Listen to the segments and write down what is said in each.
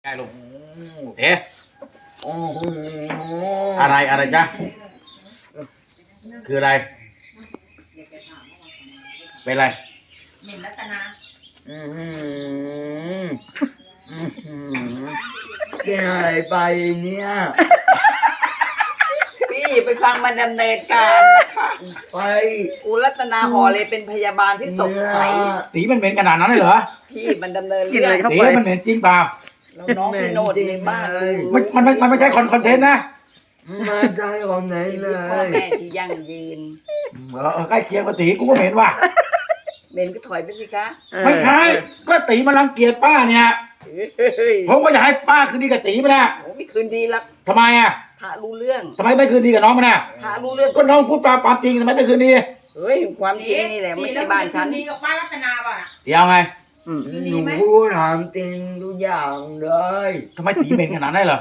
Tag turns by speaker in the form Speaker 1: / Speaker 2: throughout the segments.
Speaker 1: ได้ลูกเอ๊ะอะไรจ๊ะคืออะไรเป็นอะไร
Speaker 2: เหม็นรัตนา
Speaker 3: เป็นอะไรไปเนี่ย
Speaker 2: พี่ไปฟังมันดำเนินการนะคะ
Speaker 3: ไป
Speaker 2: กูรัตนาหอเลยเป็นพยาบาลที่สดใส
Speaker 1: ตีมันเหม็นขนาดนั้นเลยเหรอ
Speaker 2: พี่มันดำเนินเรื่อง
Speaker 1: ตีมันเหม็นจริงเปล่า
Speaker 2: แล้วน้องพี่โนดในบ้านเลย
Speaker 1: มันไม่ใช่คอนเทนต์นะ
Speaker 3: มาใจของไหนเลย
Speaker 2: พ่อแม่ที่ยั่งยืน
Speaker 1: ใกล้เคียงกับตีกูก็เหม็นว่ะ
Speaker 2: เหม็นก็ถอยไปสิคะ
Speaker 1: ไม่ใช่ก็ตีมันรังเกียจป้าเนี่ยผมก็อยากให้ป้าคืนดีกับตีมันนะ
Speaker 2: โอ้ไม่คืนดีละ
Speaker 1: ทำไมอ่ะ
Speaker 2: พระรู้เรื่อง
Speaker 1: ทำไมไม่คืนดีกับน้องมันน่ะ
Speaker 2: พระรู้เรื่อง
Speaker 1: ก็น้องพูดความจริงทำไมไม่คืนดี
Speaker 2: เฮ้ยความจริงนี่แหละไม่ใช่บ้านฉัน
Speaker 4: ดีกับป้ารัตนาป่ะ
Speaker 1: เดี๋ยวไง
Speaker 3: หนูพูดถามจริงทุกอย่างเลย
Speaker 1: ทำไมตีเหม็นขนาดนั้นเหรอ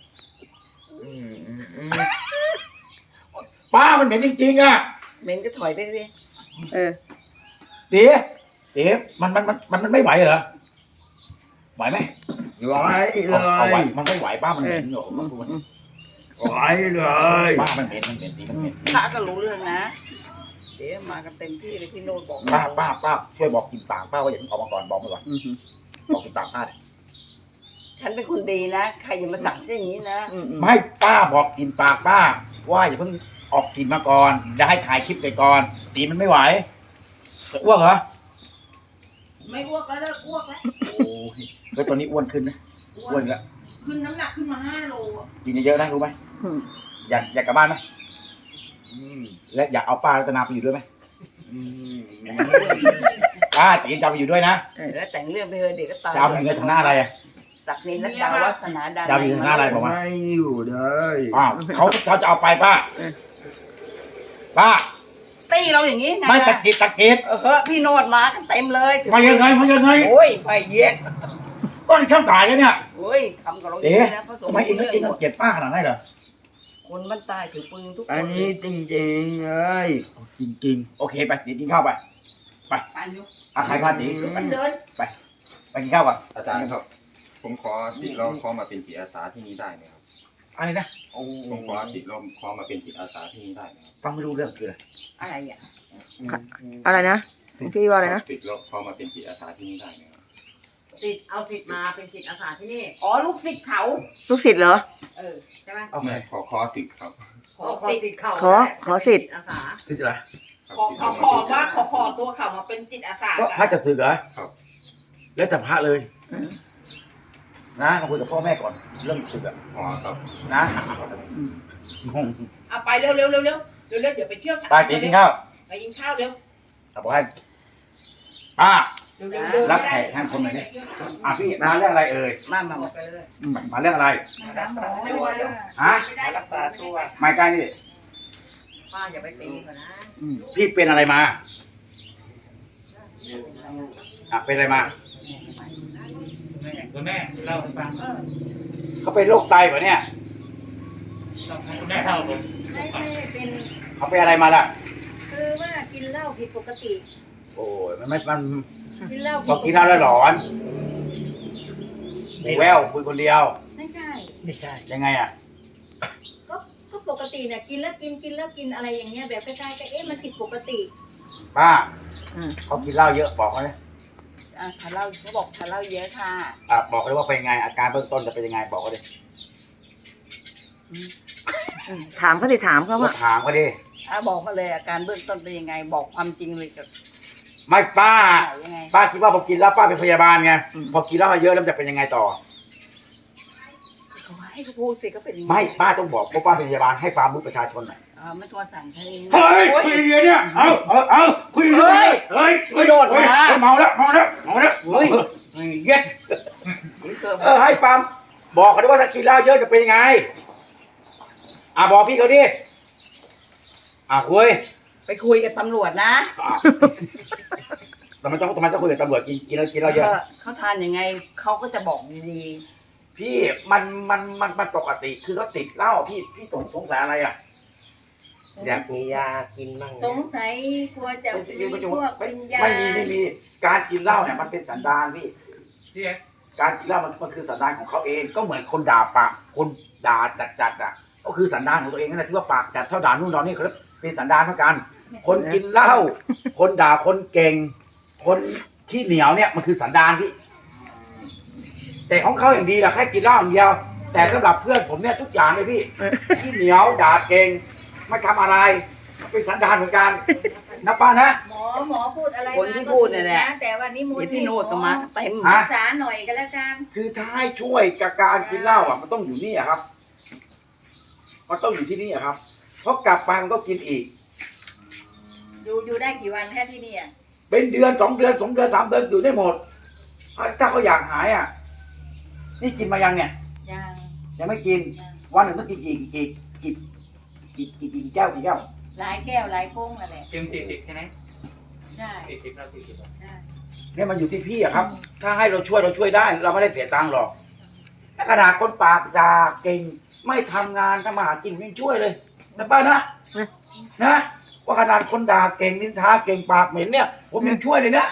Speaker 1: ป้ามันเหม็นจริงๆอ่ะ
Speaker 2: เหม็นก็ถอยไปสิ
Speaker 1: ตีมันไม่ไหวเหรอไหวไหม
Speaker 3: ไหวเลย
Speaker 1: มันไม่ไหวป้ามันเหม็นอยู่
Speaker 3: ไหวเลย
Speaker 1: ป้ามันเหม็นตีมันเหม็น
Speaker 2: พระก็รู้เรื่องนะเดี๋ยวมากันเต็มที่เลยพี่โนดบอก
Speaker 1: ป้าช่วยบอกกินปากป้าว่าอย่าออกมาก่อนบอกมาก่อนบอกกินปากป้าเลย
Speaker 2: ฉันเป็นคนดีนะใครอย่ามาสั่งเส้นอย่างนี้นะ
Speaker 1: ไม่ป้าบอกกินปากป้าว่าอย่าเพิ่งออกกินมาก่อนจะให้ถ่ายคลิปไปก่อนตีมันไม่ไหวจะอ้วกเหรอ
Speaker 4: ไม่อ้วกแล้วเลิกอ้วกแล้ว
Speaker 1: โอ้ยแล้วตอนนี้อ้วนขึ้นนะอ้วนแล้ว
Speaker 4: ขึ้นน้ำหนักขึ้นมา5 โล
Speaker 1: กินเยอะๆนะรู้ไหมอยากกลับบ้านไหมและอยากเอาป้ารัตนาไปอยู่ด้วยไหมป้าจีนจะไปอยู่ด้วยนะ
Speaker 2: แล้วแต่งเรื่องไปเถอะเด็กก็ตาย
Speaker 1: จะเอาเงินทางหน้าอะไร
Speaker 2: ศักดินและดาววัฒนาดา
Speaker 1: จะอยู่ทางหน้าอะไรบอกมา
Speaker 3: ไม่อยู่เลย
Speaker 1: เขาจะเอาไปป้า
Speaker 2: ตีเราอย่างนี้ไง
Speaker 1: ไม่ตะกิด
Speaker 2: พี่โนดมากันเต็มเลย
Speaker 1: มายังไง
Speaker 2: โอ้ยไปเยอะ
Speaker 1: ก็ช่างถ่ายกันเนี่ย
Speaker 2: โอ้ยทำกับเราอย่างนี้นะ
Speaker 1: ทำไมเองเกลียดป้าขนาดนั้นเหรอ
Speaker 2: คนมันตายถือปืนทุกคน
Speaker 3: อันนี้จริงๆเลย
Speaker 1: จริงโอเคไปกินข้าวไปใครพาตีไปกินข้าวก่อน
Speaker 5: อาจารย์ครับผมขอสิทธิ์เราขอมาเป็นจิตอาสาที่นี่ได้ไหมครับ
Speaker 1: อะไรนะ
Speaker 5: ผมขอสิทธิ์เราขอมาเป็นจิตอาสาที่นี่ได้ไหมครับ
Speaker 1: ฟังไม่รู้เรื่องคือ
Speaker 2: อะไร
Speaker 6: อะไรนะพี่ว่าอะไรนะ
Speaker 5: สิทธิ์เราขอมาเป็นจิตอาสาที่นี่ได้ไหมครับ
Speaker 4: สิทธิ์เอาสิทธิ์มาเป็นจิตอาสาที่นี่
Speaker 2: ลูกศิษย์เขา
Speaker 6: ลูกศิษย์เหรอ
Speaker 4: ใช่ไหม
Speaker 5: ขอสิทธิ์ครับ
Speaker 4: ขอสิทธิ์เขา
Speaker 6: ขอสิทธิ์
Speaker 4: อาสา
Speaker 1: สิทธิ์อะไร
Speaker 4: ขอตัวเขามาเป็นจิตอาสา
Speaker 1: ก็พระจะสึกเหรอ
Speaker 5: ครับ
Speaker 1: แล้วจะพระเลยนะคุยกับพ่อแม่ก่อนเรื่องสึกอ่ะ
Speaker 5: ครับ
Speaker 1: นะงง
Speaker 4: ไปเร็วเดี๋ยวไปเที่ยว
Speaker 1: ไปกินข้าว
Speaker 4: ไปกินข้าวเร็ว
Speaker 1: บอกให้ป้ารับแขกท่านคนไหนเนี่ยพี่มาเรื่องอะไรเอ่ยมาเรื่องอะไรฮะ
Speaker 2: รักษาตัว
Speaker 1: ไม่ใกล้นี่
Speaker 2: ป้าอย่าไปตีเขานะ
Speaker 1: พี่เป็นอะไรมาเป็นอะไรมา
Speaker 7: คุณแม่เล่าให้ฟัง
Speaker 1: เขาเป็นโรคไตป่ะเนี่ย
Speaker 7: คุณแม่เล่าผม
Speaker 8: ไม่เป็น
Speaker 1: เขาเป็นอะไรมาล่ะ
Speaker 8: คือว่ากินเหล้าผิดปกติ
Speaker 1: โอ้ยมัน
Speaker 8: กินเหล้า
Speaker 1: พอกินเหล้าแล้วหลอนแววคุยคนเดียว
Speaker 8: ไม่ใช่
Speaker 1: ยังไงอ่ะ
Speaker 8: ก็ปกติเนี่ยกินแล้วกินอะไรอย่างเงี้ยแบบใกล้ๆก็มันผิดปกติ
Speaker 1: ป้าเขากินเหล้าเยอะบอกเขาเลย
Speaker 2: ทานเหล้าเขาบอกทานเหล้าเยอะค่ะ
Speaker 1: บอกเลยว่าเป็นไงอาการเบื้องต้นจะเป็นยังไงบอกเขาดิ
Speaker 6: ถามเขาดิถามเขาว่า
Speaker 1: ถามเขาดิ
Speaker 2: บอกมาเลยอาการเบื้องต้นเป็นยังไงบอกความจริงเลยกับ
Speaker 1: ไม่ป้าคิดว่าพอกินแล้วป้าเป็นพยาบาลไงพอกินแล้วเยอะแล้วจะเป็นยังไงต่อ
Speaker 2: ให้เขาพูดสิก็เป็น
Speaker 1: ไม่ป้าต้องบอกเพราะป้าเป็นพยาบาลให้ความรู้ประชาชนหน่อย
Speaker 2: ไม่ตัวสั่งใช่
Speaker 1: เฮ้ยคุยอย่างเนี้ยเอาคุยเลยเฮ้ย
Speaker 2: โดดมา
Speaker 1: เมาแล้ว
Speaker 2: เฮ้ยเย็ด
Speaker 1: ให้ฟังบอกเขาด้วยว่าถ้ากินเหล้าเยอะจะเป็นยังไงบอกพี่เขาดิคุย
Speaker 2: ไปคุยกับตำรวจนะ
Speaker 1: ทำไมต้องคุยกับตำรวจกินแล้วเยอะ
Speaker 2: เขาทานยังไงเขาก็จะบอกดี
Speaker 1: พี่มันปกติคือเขาติดเหล้าพี่สงสัยอะไร
Speaker 3: อยากมียากินบ้าง
Speaker 8: สงสัยกลัวจะมีพวกกินยา
Speaker 1: ไม่มีการกินเหล้าเนี่ยมันเป็นสันดานพี่การกินเหล้ามันคือสันดานของเขาเองก็เหมือนคนด่าปากคนด่าจัดอ่ะก็คือสันดานของตัวเองนั่นแหละที่ว่าปากจัดเท่าด่านู่นด่านี่เขาเป็นสันดานเหมือนกัน คนกินเหล้าคนด่าคนเก่ง คนที่เหนียวเนี่ยมันคือสันดานพี่แต่ของเขาอย่างดีแหละแค่กินเหล้าอย่างเดียวแต่สำหรับเพื่อนผมเนี่ยทุกอย่างเลยพี่ที่เหนียวด่าเก่งไม่ทำอะไรเป็นสันดานเหมือนกันนะป้านะ
Speaker 8: หมอพูดอะไร
Speaker 2: คนที่พูดเนี่ยแหละ
Speaker 8: แต่ว่านี่มู
Speaker 2: เดี๋ยวพี่โนดก็มาเต็ม
Speaker 1: ฮะ
Speaker 8: รักษาหน่อยก็แล้วกัน
Speaker 1: คือถ้าให้ช่วยกับการกินเหล้าอ่ะมันต้องอยู่นี่อะครับมันต้องอยู่ที่นี่อะครับเพราะกลับไปมันก็กินอีก
Speaker 8: อยู่ได้กี่วันแค่ที่นี่อ่ะ
Speaker 1: เป็นเดือน2 เดือน2 เดือน3 เดือนอยู่ได้หมดถ้าเขาอยากหายอ่ะนี่กินมายังเนี่ย
Speaker 8: ยัง
Speaker 1: ไม่กินวันหนึ่งต้องกินกี่แก้ว
Speaker 8: หลายแก้วหลายโป้งอะไร
Speaker 7: เกม40ใช่ไหม
Speaker 8: ใช่
Speaker 7: 40เรา40
Speaker 8: ใช่
Speaker 1: เนี่ยมันอยู่ที่พี่อะครับ ถ้าให้เราช่วยได้เราไม่ได้เสียตังค์หรอกถ้าขนาดคนปากด่าเก่งไม่ทำงานทำมาหากินยังช่วยเลยนะป้านะว่าขนาดคนด่าเก่งนินทาเก่งปากเหม็นเนี่ยผมยังช่วยเลยนะ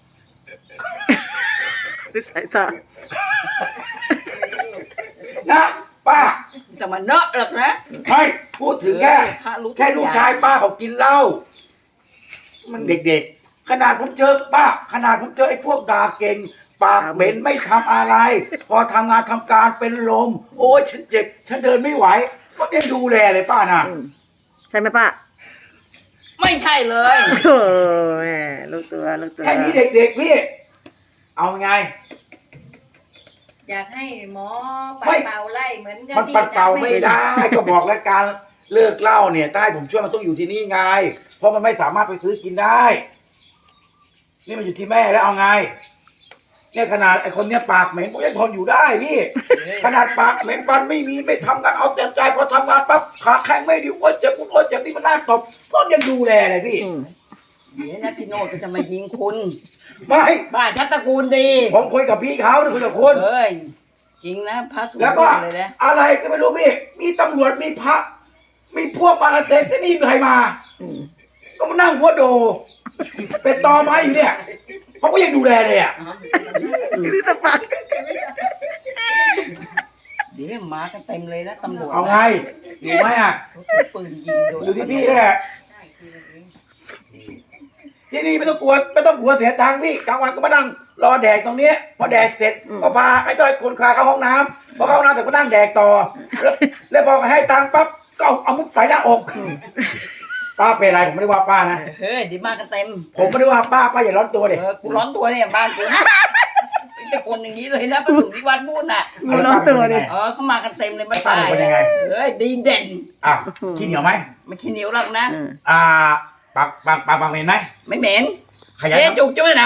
Speaker 6: ดูสายตา
Speaker 1: นะป้า
Speaker 2: จะมาเนอะหรอกนะ
Speaker 1: ไม่พูดถึงแค่ลูกชายป้าเขากินเหล้ามันเด็กๆขนาดผมเจอป้าขนาดผมเจอไอ้พวกด่าเก่งปากเหม็นไม่ทำอะไร พอทำงานทำการเป็นลมโอ้ยฉันเจ็บฉันเดินไม่ไหวก็ยังดูแลเลยป้านะ
Speaker 6: ใช่ไหมป้า
Speaker 2: ไม่ใช่เลย
Speaker 6: โอ้แหมลูกตัว
Speaker 1: แค่นี้เด็กๆพี่เอาไง
Speaker 8: อยากให้หมอปัด
Speaker 1: ไม่
Speaker 8: เป่าไล่เหมือน
Speaker 1: มันปัดเป่าไม่ได้ก็บอกแล้วการเลิกเหล้าเนี่ยถ้าให้ผมช่วยมันต้องอยู่ที่นี่ไงเพราะมันไม่สามารถไปซื้อกินได้ นี่มันอยู่ที่แม่แล้วเอาไงเนี่ยขนาดไอ้คนเนี้ยปากเหม็นผมยังทนอยู่ได้พี่ขนาดปากเหม็นฟันไม่มีไม่ทำงานเอาแต่ใจพอทำงานปั๊บขาแข็งไม่ดีอ้วนเจ็บอ้วนเจ็บนี่มันน่าตบก็ยังดูแลเลยพี่
Speaker 2: เดี๋ยวนะพี่โนดก็จะมายิงคุณ
Speaker 1: ไม่
Speaker 2: บ้านชัตตระกูลดี
Speaker 1: ผมคุยกับพี่เขาคุยกับคุณ
Speaker 2: เฮ้ยจริงนะพระสุ
Speaker 1: แล้วก็
Speaker 2: เลยนะ
Speaker 1: อะไรก็ไม่รู้พี่มีตำรวจมีพระมีพวกมาเต็มที่นี่มีใครมา ก็มานั่งหัวโดเป็นตอไม้อยู่เนี่ยเขาก็ยังดูแลเลยอ่ะ
Speaker 6: นี่สปา
Speaker 2: เดี๋ยวมากันเต็มเลยนะตำรวจ
Speaker 1: เอาไงอยู่ไหมอ่ะ
Speaker 2: เขาถือปืนยิงโดน
Speaker 1: อยู่ที่พี่นั่นแหละที่นี่ไม่ต้องกลัวเสียตังค์พี่กลางวันก็มานั่งรอแดกตรงนี้พอแดกเสร็จก็พาไอ้ต้อยคนคลาเข้าห้องน้ำพอเข้าห้องน้ำเสร็จก็นั่งแดกต่อแล้วพอให้ตังค์ปั๊บก็เอามุกใส่หน้าอกป้าเป็นอะไรผมไม่ได้ว่าป้านะ
Speaker 2: เฮ้ยเดี๋ยวมากันเต็ม
Speaker 1: ผมไม่ได้ว่าป้าอย่าร้อนตัวดิ
Speaker 2: กูร้อนตัวเนี่ยบ้านกูนะไม่ใช่คนอย่างนี้เลยนะพระสุที่วัดพูดน่ะ
Speaker 6: ดูน้องตัวดิ
Speaker 2: เขามากันเต็มเลยมา
Speaker 1: ป้า
Speaker 2: ตาย
Speaker 1: เป็นยังไง
Speaker 2: เฮ้ยดีเด่น
Speaker 1: อ่ะขี้เหนียวไหม
Speaker 2: ไม่ขี้เหนียวหรอกนะ
Speaker 1: ปากเหม็นไหม
Speaker 2: ไม่เหม็น
Speaker 1: ขยัน
Speaker 2: เจ๊จุกจ้วยนะ